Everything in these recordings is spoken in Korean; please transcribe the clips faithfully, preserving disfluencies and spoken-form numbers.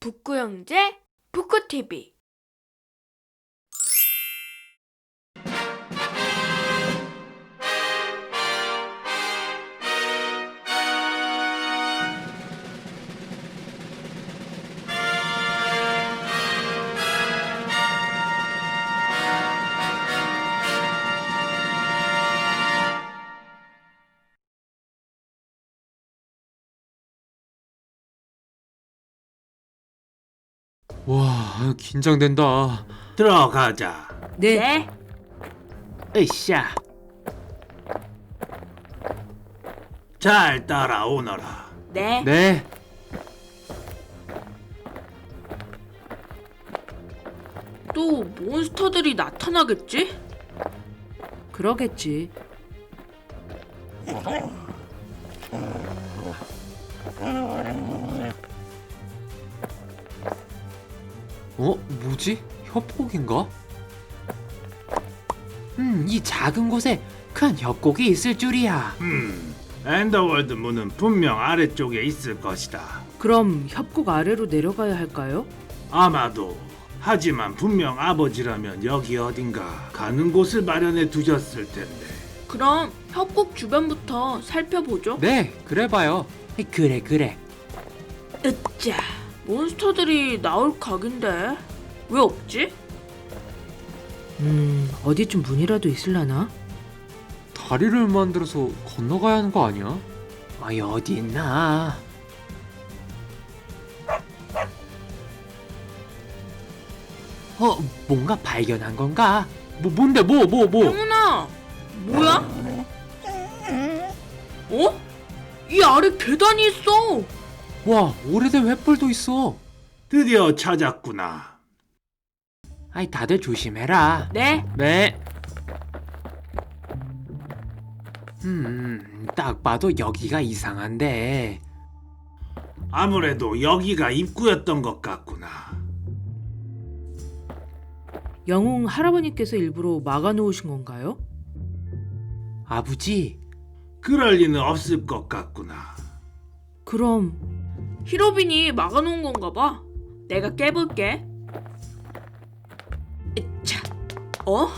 북구 형제 북구티비. 와, 긴장된다. 들어가자. 네. 으쌰. 잘 따라오너라. 네. 네. 또 몬스터들이 나타나겠지? 그러겠지. 어? 뭐지? 협곡인가? 음, 이 작은 곳에 큰 협곡이 있을 줄이야. 음, 엔더월드 문은 분명 아래쪽에 있을 것이다. 그럼 협곡 아래로 내려가야 할까요? 아마도. 하지만 분명 아버지라면 여기 어딘가 가는 곳을 마련해 두셨을 텐데. 그럼 협곡 주변부터 살펴보죠. 네, 그래봐요. 그래, 그래. 으짜. 몬스터들이 나올 각인데 왜 없지? 음, 어디쯤 문이라도 있을라나? 다리를 만들어서 건너가야 하는 거 아니야? 아, 어디 있나? 어, 뭔가 발견한 건가? 뭐, 뭔데, 뭐, 뭐, 뭐? 형훈아, 뭐야? 어? 이 아래 계단이 있어. 와, 오래된 횃불도 있어. 드디어 찾았구나. 아이, 다들 조심해라. 네. 네. 음, 딱 봐도 여기가 이상한데. 아무래도 여기가 입구였던 것 같구나. 영웅 할아버님께서 일부러 막아놓으신 건가요? 아버지, 그럴 리는 없을 것 같구나. 그럼 히로빈이 막아놓은 건가 봐. 내가 깨볼게. 으차. 어?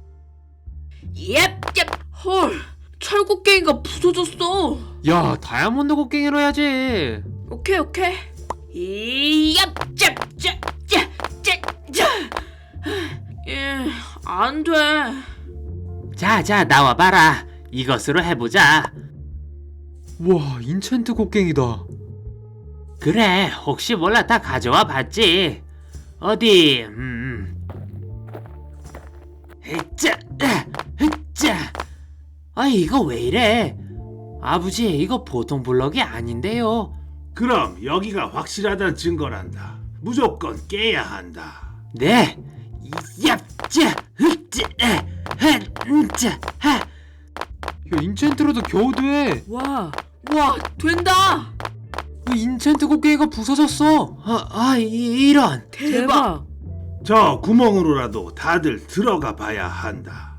옙, 옙. 헐, 철곡갱이가 부서졌어. 야, 다이아몬드 곡괭이로 해야지. 오케이, 오케이. 이, 옙, 옙, 옙, 옙, 옙, 옙. 예, 안 돼. 자, 자, 나와봐라. 이것으로 해보자. 와, 인챈트 곡괭이다. 그래, 혹시 몰라 다 가져와 봤지. 어디, 음. 으짜, 으짜. 아, 이거 왜 이래? 아버지, 이거 보통 블럭이 아닌데요. 그럼 여기가 확실하단 증거란다. 무조건 깨야 한다. 네. 얍짜, 으짜, 으짜, 하. 야, 인챈트로도 겨우 돼. 와, 와, 된다. 그 인챈트 곡괭이가 부서졌어. 아, 아 이, 이런. 대박. 대박. 저 구멍으로라도 다들 들어가 봐야 한다.